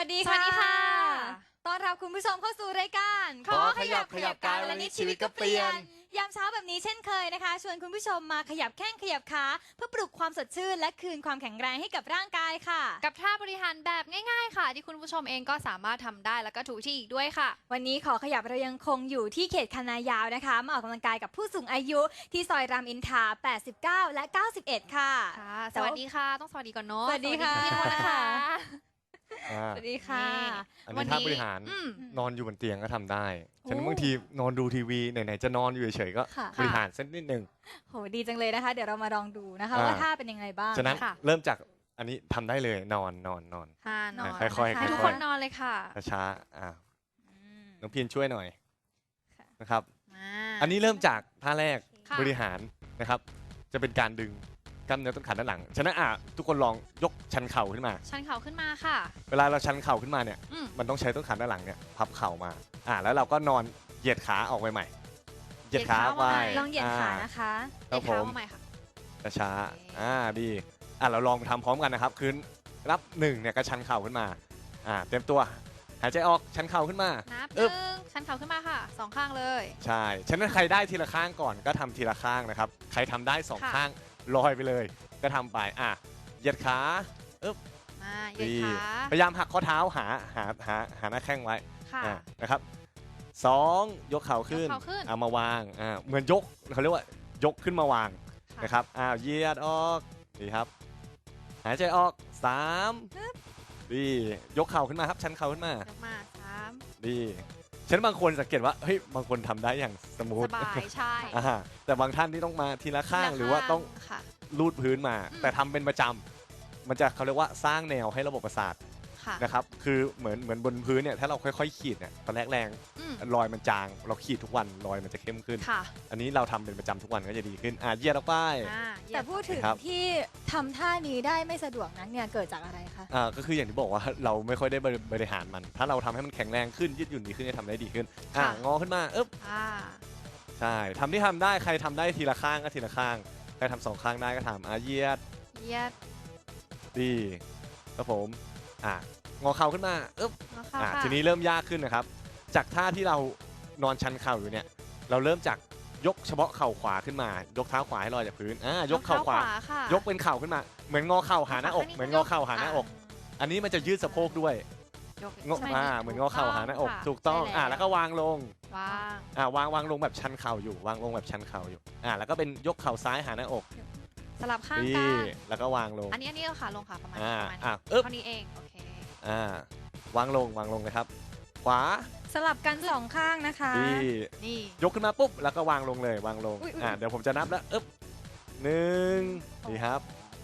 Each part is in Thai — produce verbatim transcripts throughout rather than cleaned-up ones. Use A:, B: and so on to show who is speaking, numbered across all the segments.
A: สดี
B: สวัสดีค่ะ
A: ต้อนรับคุณผู้ชมเข้าสู่รายการ
B: ขอขยับขยับกายวันนี้ชีวิตก็เปลี่ยน
A: ยามเช้าแบบนี้เช่นเคยนะคะชวนคุณผู้ชมมาขยับแข้งขยับขาเพื่อปลุกความสดชื่นและคืนความแข็งแรงให้กับร่างกายค่ะ
B: กับท่าบริหารแบบง่ายๆค่ะที่คุณผู้ชมเองก็สามารถทำได้แล้วก็ถูกที่อีกด้วยค่ะ
A: วันนี้ขอขยับเรายังคงอยู่ที่เขตคณะยาวนะคะมาออกกำลังกายกับผู้สูงอายุที่ซอยรามอินทราแปดสิบเก้าและเก้าสิบเอ็ดค่ะ
B: ค่ะสวัสดีค่ะต้องสวัสดีก่อนเนาะ
A: สวัสดีค่ะ
B: สวัสดีพี่มดนะคะ
A: สวัสดีค่ะ
C: อันนี้ท่าบริหารนอนอยู่บนเตียงก็ทำได้ฉะนั้นบางทีนอนดูทีวีไหนๆจะนอนอยู่เฉยๆก็บริหารสักนิดนึง
A: โหดีจังเลยนะคะเดี๋ยวเรามาลองดูนะคะว่าท่าเป็นยังไงบ้าง
C: ฉะนั้นเริ่มจากอันนี้ทำได้เลยนอนนอนนอน
B: นอน
C: ค่อยๆ
B: ให้ทุกคนนอนเลยค่ะ
C: ช้าๆอ่าน้องพินช่วยหน่อยนะครับอันนี้เริ่มจากท่าแรกบริหารนะครับจะเป็นการดึงกล้ามเนื้อต้นขาด้านหลังฉะนั้นอ่ะทุกคนลองยกชันเข่าขึ้นมา
B: ชันเข่าขึ้นมาค่ะ
C: เวลาเราชันเข่าขึ้นมาเนี่ยมันต้องใช้ต้นขาด้านหลังเนี่ยพับเข่ามาอ่าแล้วเราก็นอนเหยียดขาออกไปใหม่เหยียดขาไว้
A: ลองเหยียดขานะคะ
B: เหยียดขาใหม่ค่ะ
C: ช้าอ่าดีอ่ะเราลองทำพร้อมกันนะครับคือรับหนึ่งเนี่ยก็ชันเข่าขึ้นมาอ่าเตรียมตัวหายใจออกชันเข่าขึ้นมา
B: นับหนึ่งชันเข่าขึ้นมาค่ะสองข้างเลย
C: ใช่ฉะนั้นใครได้ทีละข้างก่อนก็ทำทีละข้างนะครับใครทำได้สองข้างลอยไปเลยก็ทำไปอ่ะเหยียดขาอึ๊บ
B: มาเหยียดขา
C: พยายามหักข้อเท้าหาหาหาหาหน้าแข้งไว้นะครับสองยกเข่าขึ้นเอามาวางอ่าเหมือนยกเขาเรียกว่ายกขึ้นมาวางนะครับอ้าวเหยียดออกดีครับหายใจออกสามดียกเข่าขึ้นมาครับชันเข่าขึ้นมาย
B: กมาสาม
C: ดีฉันบางคนสังเกตว่าเฮ้ยบางคนทำได้อย่างสมูท
B: สบายใช่
C: แต่บางท่านที่ต้องมาทีละข้างหรือว่าต้องลูดพื้นมาแต่ทำเป็นประจำมันจะเขาเรียกว่าสร้างแนวให้ระบบประสาทนะครับคือเหมือนเหมือนบนพื้นเนี่ยถ้าเราค่อยๆขีดเนี่ยตอนแรกแรงรอยมันจางเราขีดทุกวันรอยมันจะเข้มขึ้นอันนี้เราทำเป็นประจำทุกวันก็จะดีขึ้นอ่ะเหยียดออกไป
A: แต่พูดถึงที่ทำท่านี้ได้ไม่สะดวกนั้นเนี่ยเกิดจากอะไรคะ
C: อ่าก็คืออย่างที่บอกว่าเราไม่ค่อยได้บริหารมันถ้าเราทำให้มันแข็งแรงขึ้นยืดหยุ่นดีขึ้นจะทำได้ดีขึ้นอ่างอขึ้นมาอึ๊บใช่ทำที่ทำได้ใครทำได้ทีละข้างก็ทีละข้างใครทำสองข้างได้ก็ทำอ่ะเหยียด
B: เหยียด
C: ดีครับผมอ่ะงอเข่าขึ้นมาอึ๊บอ่ะทีนี้เริ่มยากขึ้นนะครับจากท่าที่เรานอนชันเข่าอยู่เนี่ยเราเริ่มจากยกเฉพาะเข่าขวาขึ้นมายกเท้าขวาให้ลอยจากพื้นอ่ายกเข่าขวายกเป็นเข่าขึ้นมาเหมือนงอเข่าหาหน้าอกเหมือนงอเข่าหาหน้าอกอันนี้มันจะยืดสะโพกด้วยงออ่าเหมือนงอเข่าหาหน้าอกถูกต้องอ่าแล้วก็วางลง
B: วาง
C: อ่าวางวางลงแบบชันเข่าอยู่วางลงแบบชันเข่าอยู่อ่าแล้วก็เป็นยกเข่าซ้ายหาหน้าอก
B: สลับข้างกัน
C: แล้วก็วางลง
B: อันนี้อันนี้เราขาลงค่ะประมาณ
C: อ่า
B: อ่าเท่านี้เองโอเค
C: อ่าวางลงวางลงนะครับขวา
A: สลับกันสองข้างนะคะ
C: นี่ยกขึ้นมาปุ๊บแล้วก็วางลงเลยวางลงอ่าเดี๋ยวผมจะนับแล้วอึ๊บหนึ่งดีครับ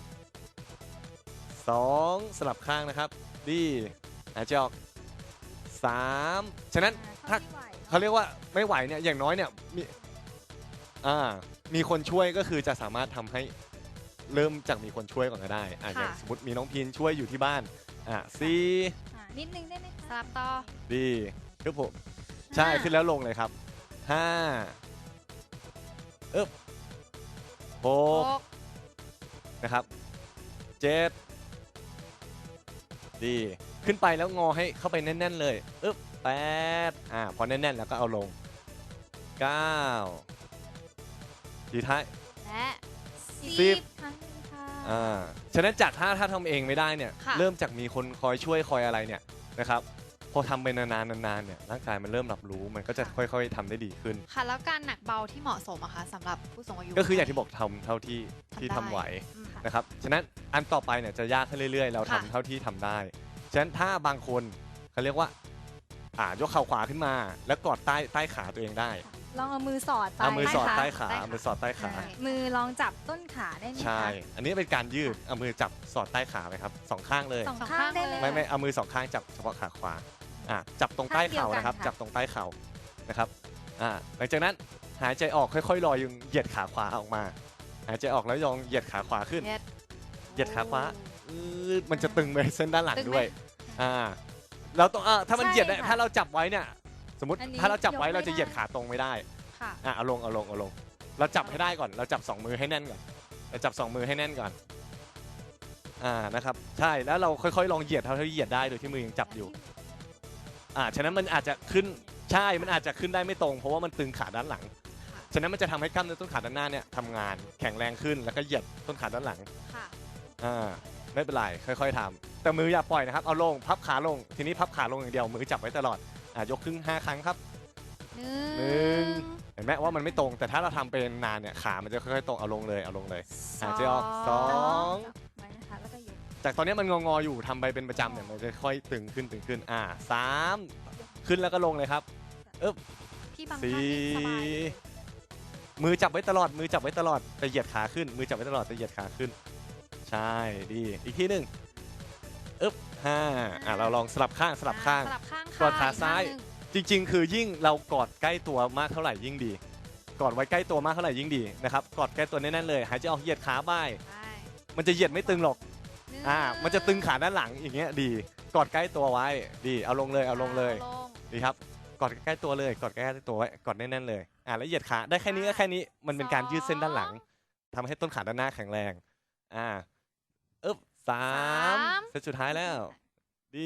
C: สองสลับข้างนะครับดีหายใจออกสามฉะนั้นถ้าเขาเรียกว่าไม่ไหวเนี่ยอย่างน้อยเนี่ยมีอ่ามีคนช่วยก็คือจะสามารถทำให้เริ่มจากมีคนช่วยก่อนก็ได้อ่าอย่างสมมติมีน้องพินช่วยอยู่ที่บ้านอ่าสี่
A: นิดนึงได้ไหม
B: สลับต่อ
C: ดีคือผมใช่ขึ้นแล้วลงเลยครับห้าอึ๊บหกนะครับเจ็ดดีขึ้นไปแล้วงอให้เข้าไปแน่นๆเลยอึ๊บแปดอ่าพอแน่นๆแล้วก็เอาลงเก้าทีท้าย
B: และ
C: สิบอ่าฉะนั้นจากถ้าถ้าทำเองไม่ได้เนี่ยเริ่มจากมีคนคอยช่วยคอยอะไรเนี่ยนะครับพอทำไปนานๆนานๆเนี่ยร่างกายมันเริ่มรับรู้มันก็จะค่อยๆทำได้ดีขึ้น
B: ค่ะแล้วการหนักเบาที่เหมาะสมอะคะสำหรับผู้สูงอายุ
C: ก็คืออย่างที่บอกทำเท่าที่ที่ทำไหวนะครับฉะนั้นอันต่อไปเนี่ยจะยากขึ้นเรื่อยๆเราทำเท่าที่ทำได้ฉะนั้นถ้าบางคนเขาเรียกว่าอ่ายกเข่าขวาขึ้นมาแล้วกอดใต้ใต้ขาตัวเองได้
A: ลองเอามือสอด
C: เอามือสอดใต้ขามือสอดใต้ขา
A: มือลองจับต้นขาได้ไหม
C: ใช่อันนี้เป็นการยืดเอามือจับสอดใต้ขาไหมครับสองข้างเลย
A: สองข้างได้เลย
C: ไม่ไม่เอามือสองข้างจับเฉพาะขาขวาอ่ะจับตรงใต้เข่านะครับจับตรงใต้เข่านะครับอ่าหลังจากนั้นหายใจออกค่อยๆลอยยังเหยียดขาขวาออกมาหายใจออกแล้วยองเหยียดขาขวาขึ้นเหยียดขาขวามันจะตึงไปเส้นด้านหลังด้วยอ่าเราต้องอ่าถ้ามันเหยียดได้ถ้าเราจับไว้เนี่ยสมมติถ้าเราจับไว้เราจะเหยียดขาตรงไม่ได้อ่ะเอาลงเอาลงเอาลงเราจับให้ได้ก่อนเราจับสองมือให้แน่นก่อนเราจับสองมือให้แน่นก่อนอ่านะครับใช่แล้วเราค่อยๆลองเหยียดเท่าที่เหยียดได้โดยที่มือยังจับอยู่อ่าฉะนั้นมันอาจจะขึ้นใช่มันอาจจะขึ้นได้ไม่ตรงเพราะว่ามันตึงขาด้านหลังฉะนั้นมันจะทำให้กล้ามเนื้อต้นขาด้านหน้าเนี่ยทำงานแข็งแรงขึ้นแล้วก็เหยียดต้นขาด้านหลัง
B: ค่ะ
C: อ่าไม่เป็นไรค่อยๆทำแต่มืออย่าปล่อยนะครับเอาลงพับขาลงทีนี้พับขาลงอย่างเดียวมือจับไว้ตลอดอ่ายกขึ้นห้าครั้งครับ
B: หนึ่ง
C: หนึ่ง เห็นไหมว่ามันไม่ตรงแต่ถ้าเราทำเป็นนานเนี่ยขามันจะค่อยๆตรงเอาลงเลยเอาลงเลยหายใจออกสอง
A: ไว้นะคะแล้วก็ยก
C: จากตอนนี้มันงอๆอยู่ทำไปเป็นประจำเนี่ยมันจะค่อยตึงขึ้นตึงขึ้นอ่าสามขึ้นแล้วก็ลงเลยครับเอ๊บ
B: พี่บางท่าน
C: สี่
B: นี่สบายเลย
C: มือจับไว้ตลอดมือจับไว้ตลอดแต่เหยียดขาขึ้น มือจับไว้ตลอดแต่เหยียดขาขึ้นใช่ดีอีกทีหนึ่งอึ๊บห้าอ่ะเราลองสลับข้างสลับข้าง
B: สลับข้าง
C: กอดขาซ้าย
B: อีกข้งหนึ่ง
C: จริงๆ คือยิ่งเรากอดใกล้ตัวมากเท่าไหร่ยิ่งดี กอดไว้ใกล้ตัวมากเท่าไหร่ยิ่งดีนะครับกอดใกล้ตัวแน่นๆเลยหายใจออกเหยียดขาบ่าย
B: ได้
C: มันจะเหยียดไม่ตึงหรอก
B: หนึ่ง
C: อ่ามันจะตึงขาด้านหลังอย่างเงี้ยดีกอดใกล้ตัวไว้ดีเอาลงเลยเอาลงเลย
B: อาลง
C: ดีครับกอดใกล้ตัวเลยกอดใกล้ตัวไว้กอดแน่นๆเลยอ่าแล้วเหยียดขาได้แค่นี้ก็แค่นี้มันเป็นการยืดเส้นด้านหลังทำให้ต้นขาด้านหน้าแข็งแรงอ่าอึ๊บสามเซตสุดท้ายแล้วดี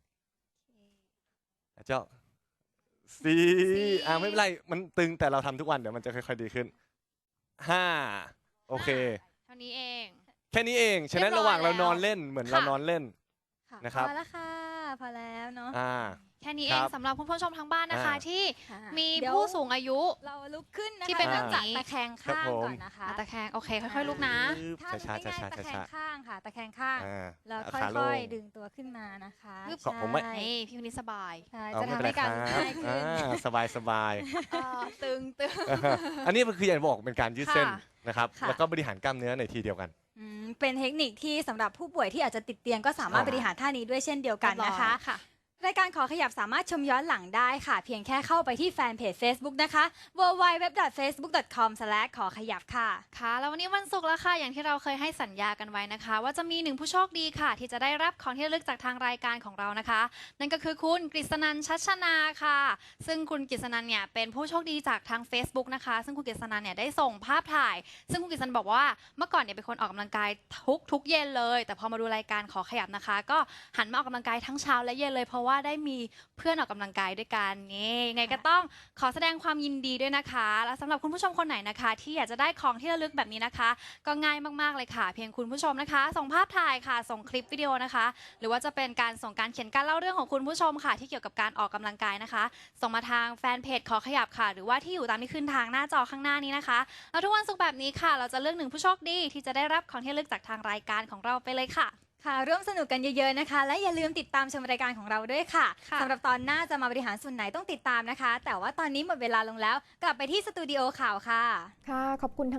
C: เจ้าสี่อ่าไม่เป็นไรมันตึงแต่เราทำทุกวันเดี๋ยวมันจะค่อยๆดีขึ้นห้าโอเค
B: เท่านี้เอง
C: แค่นี้เองฉะนั้น
B: เรียบร้อย
C: ระหว่างเรา
B: แล้ว
C: นอนเล่นเหมือน
B: ค่ะ
C: เรานอนเล่น
A: ค่ะ
C: นะครับ
A: พอแล้วค่ะพอแล้วเนาะ
C: อ่า
B: แค่นี้
C: ค
B: เอ
C: รั
B: ง
C: บ
B: สำหรับคุณผู้ชมทางบ้านนะคะ
C: อ่า
B: ที่
A: ค่ะ
B: มี
A: เดี๋ยว
B: ผู้สูงอายุ
A: เราลุกขึ้นนะคะ
B: ที่เป็น
A: เริ่มจาก
B: แบบนี้
A: ตะแคง
C: ครับ
A: ข้าง
C: ผม
A: ก่อนนะคะ
B: อ่ะตะแคงโอเคค่อยๆลุกนะ
C: ปึ๊บ
A: ถ้า
C: ช้า
A: ไม่
C: ๆช้า
A: ง่าย
C: ๆ
A: ตะแค
C: ช้าง
A: ข้างค่ะ ตะแคงข้าง
C: ๆอ่า
A: แล้ว
C: เอา
A: ค่
C: ขาล
A: อย
C: ง
A: ๆ ดึงตัวขึ้นมานะคะ
B: ปึ๊บ
C: ขอบผมไม่
A: ใช่
B: นี่พี่คนนี้สบาย
A: ใช่
C: เอา
A: จะ
C: ไม่
A: ทำ
C: เป็นไร
A: ให้การ
C: ค
A: ลุก
C: รับ
A: ง่ายขึ้น
C: อ่าสบายสบาย
B: เอ่อตึงตึง
C: อันนี้คืออย่างบอกเป็นการยืดเส้น
B: ค่ะ
C: นะครับ
A: ค่ะ
C: แล้วก็บริหารกล้ามเนื้อในทีเดียวกัน
A: อืมเป็นเทคนิคที่สำหรับผู้ป่วยที่อาจจะติดเตียงก็สามารถ
C: อ่า
A: บริหารท่านี้ด้วยเช่นเดียวกันนะคะ
B: เรียบร้อยค่ะ
A: รายการขอขยับสามารถชมย้อนหลังได้ค่ะ เพียงแค่เข้าไปที่แฟนเพจ Facebook นะคะ ดับเบิลยู ดับเบิลยู ดับเบิลยู ดอท เฟซบุ๊ก ดอท คอม สแลช ขอขยับค่ะ
B: ค่ะแล้ววันนี้วันศุกร์แล้วค่ะอย่างที่เราเคยให้สัญญากันไว้นะคะ ว่าจะมีหนึ่งผู้โชคดีค่ะ ที่จะได้รับของที่ระลึกจากทางรายการของเรานะคะ นั่นก็คือคุณกฤษนันท์ชัชนาค่ะ ซึ่งคุณกฤษนันท์เนี่ยเป็นผู้โชคดีจากทาง Facebook นะคะ ซึ่งคุณกฤษนันท์เนี่ยได้ส่งภาพถ่าย ซึ่งคุณกฤษนันท์บอกว่าเมื่อก่อนเนี่ยเป็นคนออกกำลังกายทุกทุกเย็นเลย แต่พอมาดูรายการขอขยับนะคะ ก็หันมาออกกำลังกายทั้งเช้าและเย็นเลย เพราะว่าได้มีเพื่อนออกกำลังกายด้วยกันนี่ไงก็ต้องขอแสดงความยินดีด้วยนะคะ และสำหรับคุณผู้ชมคนไหนนะคะ ที่อยากจะได้ของที่ระลึกแบบนี้นะคะ ก็ง่ายมากๆเลยค่ะ เพียงคุณผู้ชมนะคะ ส่งภาพถ่ายค่ะ ส่งคลิปวิดีโอนะคะ หรือว่าจะเป็นการส่งการเขียนการเล่าเรื่องของคุณผู้ชมค่ะ ที่เกี่ยวกับการออกกำลังกายนะคะ ส่งมาทางแฟนเพจขอขยับค่ะ หรือว่าที่อยู่ตามที่ขึ้นทางหน้าจอข้างหน้านี้นะคะแล้วทุกวันศุกร์แบบนี้ค่ะ เราจะเลือกหนึ่งผู้โชคดีที่จะได้รับของที่ระลึกจากทางรายการของเราไปเลยค่ะ
A: ค่ะร่วมสนุกกันเยอะๆนะคะ และอย่าลืมติดตามชมรายการของเราด้วยค่ะ
B: ค่ะ
A: สำหรับตอนหน้าจะมาบริหารส่วนไหนต้องติดตามนะคะ แต่ว่าตอนนี้หมดเวลาลงแล้ว กลับไปที่สตูดิโอข่าวค่ะ
D: ค่ะขอบคุณ